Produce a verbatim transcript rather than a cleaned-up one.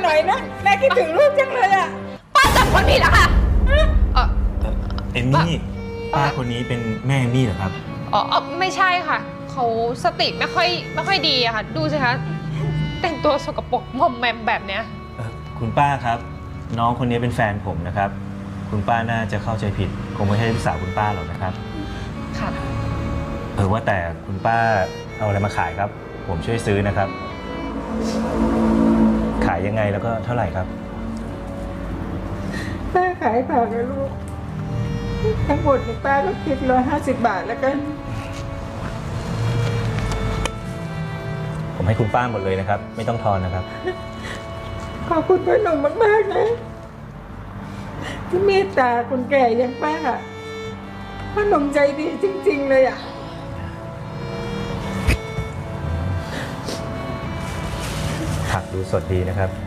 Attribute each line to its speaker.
Speaker 1: หน่อยนะแม่คิดถึงลูกจังเลยอ่ะ
Speaker 2: ป้าจับคนผิดแล้วค่ะเออ
Speaker 3: เอมมี่ป้าคนนี้เป็นแม่เอมมี่เหรอครับ
Speaker 2: อ๋อไม่ใช่ค่ะเขาสติไม่ค่อยไม่ค่อยดีอะค่ะ ดูสิคะแต่งตัวสกปรกมอมแมมแบบเนี้ย
Speaker 3: คุณป้าครับน้องคนนี้เป็นแฟนผมนะครับคุณป้าน่าจะเข้าใจผิดคงไม่ใช่ลูกสาวคุณป้าหรอกนะครับ
Speaker 2: ค่ะ
Speaker 3: เออว่าแต่คุณป้าเอาอะไรมาขายครับผมช่วยซื้อนะครับขายยังไงแล้วก็เท่าไหร่ครับ
Speaker 1: ป้าขายผักนะลูกทั้งหมดในป้าก็คิดร้อยห้าสิบบาทแล้วกัน
Speaker 3: ผมให้คุณป้าหมดเลยนะครับไม่ต้องทอนนะครับ
Speaker 1: ขอบคุณพ่อหนุ่มมากๆนะที่เมตตาคนแก่อย่างป้าพ่อหนุ่มใจดีจริงๆเลยอ่ะ
Speaker 3: ผักดูสดดีนะครับ